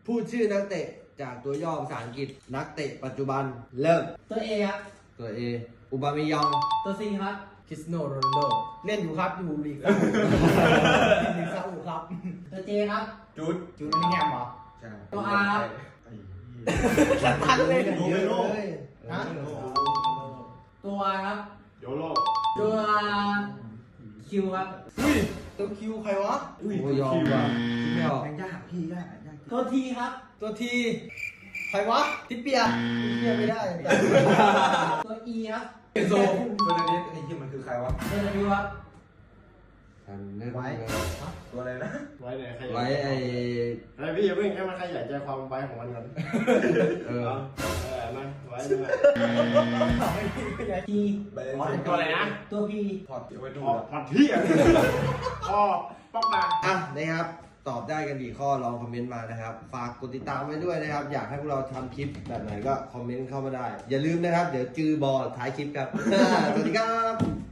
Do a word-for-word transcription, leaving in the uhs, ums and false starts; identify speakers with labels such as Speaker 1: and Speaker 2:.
Speaker 1: พูดชื่อนักเตะจากตัวย่อภาษาอังกฤษนักเตะปัจจุบันเริ่ม
Speaker 2: ตัวเอครับ
Speaker 1: ตัว A อุบามิยอง
Speaker 2: ตัวซีครับ
Speaker 3: คริสโนโรนัลโดเล่นอยู่ครับอยู่ลีกซาอุลีกซาอุครับ
Speaker 2: ตัวเจครับ
Speaker 4: จุด
Speaker 3: จูดนี่แฮมเหรอ
Speaker 1: ใช่
Speaker 2: ตัวอาร์ครับ
Speaker 3: สัตันเลย
Speaker 1: เยอะเลย
Speaker 3: ฮะ
Speaker 2: ตัววายครับ
Speaker 4: โยโร่
Speaker 2: ตัวคิวครับ
Speaker 3: อุ้ยตัวคิวใครวะ
Speaker 1: โอ้ยอมว่ะคิดไม่ออก
Speaker 4: ยากพี่ยากยาก
Speaker 2: ตัวทีครับ
Speaker 3: ตัวทีใครวะทิปเปียเปียไม่ได้
Speaker 2: ตัวอีครับ
Speaker 4: โซเฟอร์นันเดสไอ้ที่มันคือใครวะ
Speaker 2: ตัวดับครับ
Speaker 1: ทันเล่น
Speaker 4: ไว้ ตัวอะไรนะ
Speaker 5: ไว้ไหนใคร
Speaker 1: ไว้ไอ
Speaker 5: ไอ้พี่อย่าเพิ่งให้มันขยายใจความไว้ของมันก่อน
Speaker 1: เออ
Speaker 5: เออมาไว้ด้วย
Speaker 2: ที
Speaker 5: อ๋อเป็นตัวอะไรนะ
Speaker 2: ตัวพี
Speaker 4: พอดเอาไว้ดู
Speaker 5: อ๋อผัดที่อ่ะอ๋อป๊อกปาก
Speaker 1: อ่ะนะครับตอบได้กันกี่ข้อลองคอมเมนต์มานะครับฝากกดติดตามไว้ด้วยนะครับอยากให้พวกเราทำคลิปแบบไหนก็คอมเมนต์เข้ามาได้ อย่าลืมนะครับเดี๋ยวจือบอลท้ายคลิปครับ สวัสดีครับ